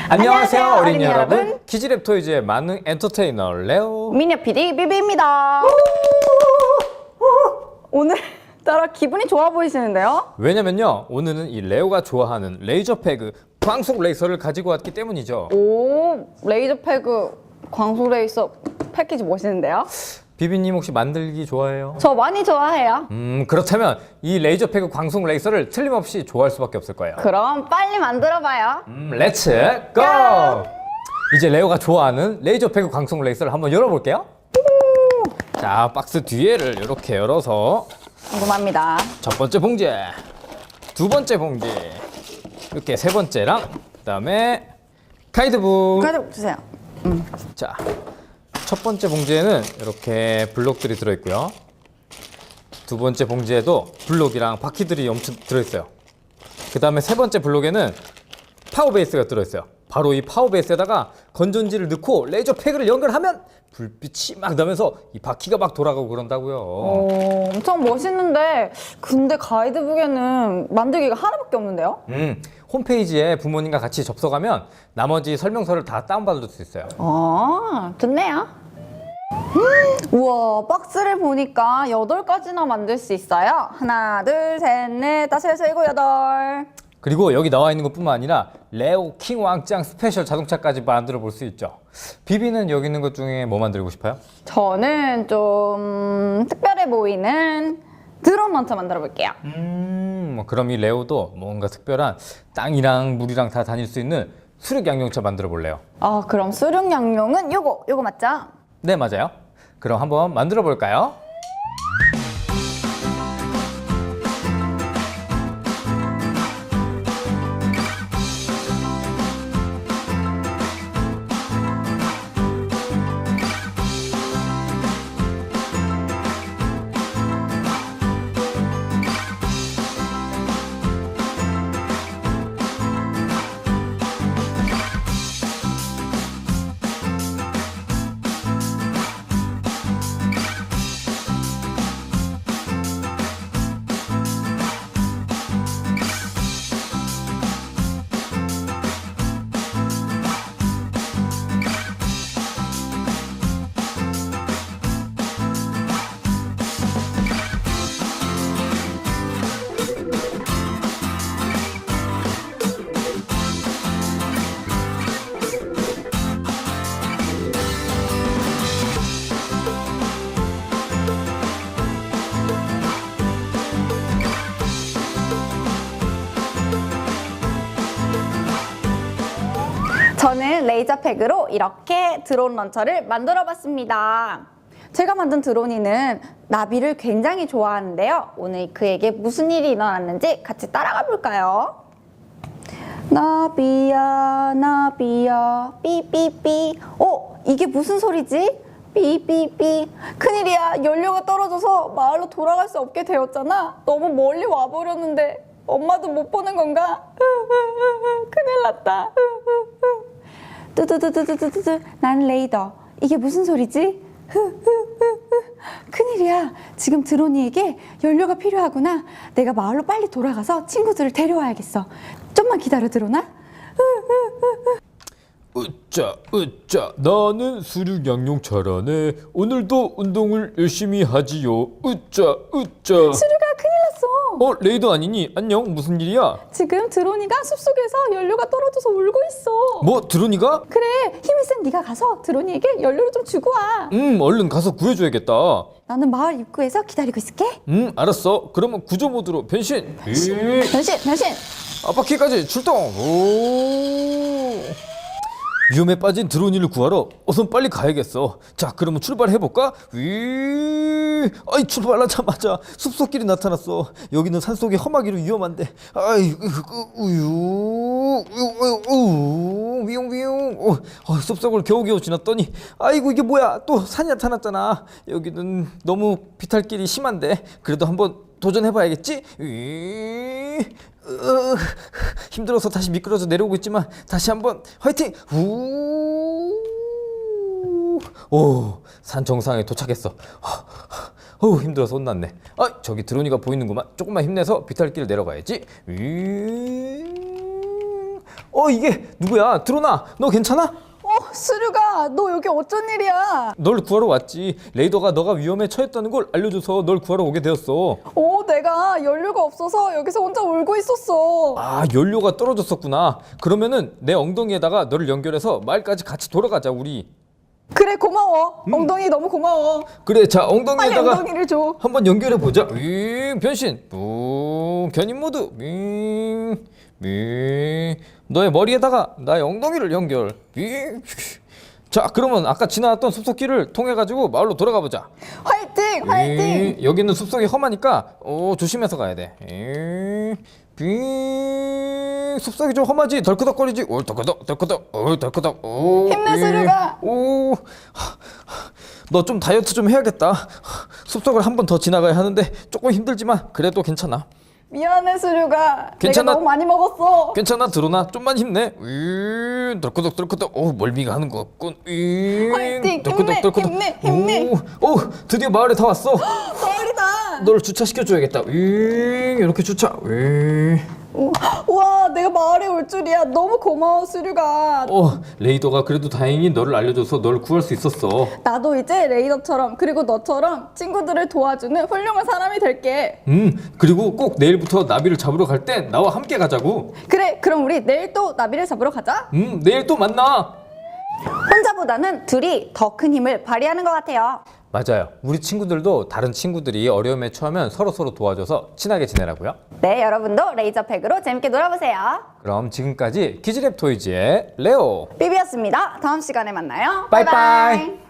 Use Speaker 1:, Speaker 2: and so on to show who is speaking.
Speaker 1: 안녕하세요 어린이 여러분. 키즈랩 토이즈의 만능 엔터테이너 레오
Speaker 2: 미녀 PD 비비입니다. 오늘따라 기분이 좋아 보이시는데요?
Speaker 1: 왜냐면요 오늘은 이 레오가 좋아하는 레이저 패그 광속 레이서를 가지고 왔기 때문이죠.
Speaker 2: 오, 레이저 패그 광속 레이서 패키지 멋있는데요?
Speaker 1: 비비님 혹시 만들기 좋아해요?
Speaker 2: 저 많이 좋아해요.
Speaker 1: 그렇다면 이 레이저 패그 광속 레이서를 틀림없이 좋아할 수밖에 없을 거예요.
Speaker 2: 그럼 빨리 만들어봐요.
Speaker 1: 렛츠 고! 이제 레오가 좋아하는 레이저 패그 광속 레이서를 한번 열어볼게요. 자, 박스 뒤에를 이렇게 열어서
Speaker 2: 궁금합니다.
Speaker 1: 첫 번째 봉지, 두 번째 봉지, 이렇게 세 번째랑 그다음에 가이드북.
Speaker 2: 가져 주세요.
Speaker 1: 자, 첫 번째 봉지에는 이렇게 블록들이 들어있고요. 두 번째 봉지에도 블록이랑 바퀴들이 엄청 들어있어요. 그 다음에 세 번째 블록에는 파워 베이스가 들어있어요. 바로 이 파워 베이스에다가 건전지를 넣고 레이저 패그를 연결하면 불빛이 막 나면서 이 바퀴가 막 돌아가고 그런다고요.
Speaker 2: 오, 엄청 멋있는데 근데 가이드북에는 만들기가 하나밖에 없는데요?
Speaker 1: 홈페이지에 부모님과 같이 접속하면 나머지 설명서를 다 다운받을 수 있어요.
Speaker 2: 좋네요. 우와, 박스를 보니까 8가지나 만들 수 있어요. 하나, 둘, 셋, 넷, 다섯, 여섯, 일곱, 여덟.
Speaker 1: 그리고 여기 나와 있는 것뿐만 아니라 레오 킹 왕짱 스페셜 자동차까지 만들어 볼 수 있죠. 비비는 여기 있는 것 중에 뭐 만들고 싶어요?
Speaker 2: 저는 좀 특별해 보이는 드론 런처 만들어 볼게요.
Speaker 1: 그럼 이 레오도 뭔가 특별한 땅이랑 물이랑 다 다닐 수 있는 수륙 양용차 만들어 볼래요?
Speaker 2: 그럼 수륙 양용은 요거 맞죠?
Speaker 1: 네, 맞아요. 그럼 한번 만들어 볼까요?
Speaker 2: 저는 레이저 팩으로 이렇게 드론 런처를 만들어 봤습니다. 제가 만든 드론이는 나비를 굉장히 좋아하는데요. 오늘 그에게 무슨 일이 일어났는지 같이 따라가 볼까요? 나비야 나비야 삐삐삐. 이게 무슨 소리지? 삐삐삐. 큰일이야, 연료가 떨어져서 마을로 돌아갈 수 없게 되었잖아. 너무 멀리 와버렸는데 엄마도 못 보는 건가? 큰일 났다. 뚜두두두두두두. 난 레이더. 이게 무슨 소리지? 큰일이야, 지금 드론이에게 연료가 필요하구나. 내가 마을로 빨리 돌아가서 친구들을 데려와야겠어. 좀만 기다려, 드론아.
Speaker 1: 으짜 나는 수륙 양용차라네. 오늘도 운동을 열심히 하지요. 으짜
Speaker 2: 수류가 큰일 났어.
Speaker 1: 레이더 아니니? 안녕, 무슨 일이야?
Speaker 2: 지금 드론이가 숲속에서 연료가 떨어져서 울고 있어.
Speaker 1: 뭐, 드론이가?
Speaker 2: 그래, 힘이 센 네가 가서 드론이에게 연료를 좀 주고 와.
Speaker 1: 얼른 가서 구해줘야겠다.
Speaker 2: 나는 마을 입구에서 기다리고 있을게.
Speaker 1: 알았어. 그러면 구조 모드로 변신.
Speaker 2: 변신.
Speaker 1: 앞바퀴까지 출동. 오. 위험에 빠진 드론이를 구하러 어서 빨리 가야겠어. 자, 그러면 출발해볼까? 출발하자마자 숲속길이 나타났어. 여기는 산속이 험하기로 위험한데. 위용. 숲속을 겨우겨우 지났더니 아이고, 이게 뭐야? 또 산이 나타났잖아. 여기는 너무 비탈길이 심한데 그래도 한번 도전해봐야겠지? 힘들어서 다시 미끄러져 내려오고 있지만 다시 한번 화이팅! 오, 산 정상에 도착했어. 힘들어서 혼났네. 저기 드론이가 보이는구만. 조금만 힘내서 비탈길을 내려가야지. 이게 누구야? 드로나, 너 괜찮아?
Speaker 2: 수류가 너 여기 어쩐 일이야?
Speaker 1: 널 구하러 왔지. 레이더가 너가 위험에 처했다는 걸 알려줘서 널 구하러 오게 되었어.
Speaker 2: 내가 연료가 없어서 여기서 혼자 울고 있었어.
Speaker 1: 아, 연료가 떨어졌었구나. 그러면은 내 엉덩이에다가 너를 연결해서 마을까지 같이 돌아가자, 우리.
Speaker 2: 그래, 고마워. 엉덩이 너무 고마워.
Speaker 1: 그래, 자,
Speaker 2: 빨리
Speaker 1: 엉덩이에다가
Speaker 2: 엉덩이를 줘.
Speaker 1: 한번 연결해 보자. 변신. 견인 모드. 너의 머리에다가 나의 엉덩이를 연결. 자, 그러면 아까 지나왔던 숲속길을 통해 가지고 마을로 돌아가 보자.
Speaker 2: 화이팅! 화이팅!
Speaker 1: 여기는 숲속이 험하니까 조심해서 가야 돼. 숲속이 좀 험하지. 덜커덕거리지. 덜커덕 덜커덕 덜커덕.
Speaker 2: 힘내, 수류가.
Speaker 1: 너 좀 다이어트 좀 해야겠다. 숲속을 한 번 더 지나가야 하는데 조금 힘들지만 그래도 괜찮아.
Speaker 2: 미안해, 수류가.
Speaker 1: 괜찮아.
Speaker 2: 내가 너무 많이 먹었어.
Speaker 1: 괜찮아, 드로나. 좀만 힘내. 덜커덕 덜커덕. 멀미가 하는 것 같군.
Speaker 2: 화이팅!
Speaker 1: 덜커덕 덜커덕.
Speaker 2: 힘내!
Speaker 1: 드디어 마을에 다 왔어.
Speaker 2: 마을이다.
Speaker 1: 너를 주차시켜줘야겠다. 이렇게 주차.
Speaker 2: 우와, 내가 마을에 올 줄이야. 너무 고마워, 수류가.
Speaker 1: 레이더가 그래도 다행히 너를 알려줘서 너를 구할 수 있었어.
Speaker 2: 나도 이제 레이더처럼 그리고 너처럼 친구들을 도와주는 훌륭한 사람이 될게.
Speaker 1: 그리고 꼭 내일부터 나비를 잡으러 갈 땐 나와 함께 가자고.
Speaker 2: 그래, 그럼 우리 내일 또 나비를 잡으러 가자.
Speaker 1: 내일 또 만나.
Speaker 2: 혼자보다는 둘이 더 큰 힘을 발휘하는 것 같아요.
Speaker 1: 맞아요. 우리 친구들도 다른 친구들이 어려움에 처하면 서로 도와줘서 친하게 지내라고요.
Speaker 2: 네, 여러분도 레이저팩으로 재밌게 놀아보세요.
Speaker 1: 그럼 지금까지 키즈랩 토이즈의 레오.
Speaker 2: 삐비였습니다. 다음 시간에 만나요.
Speaker 1: 빠이빠이.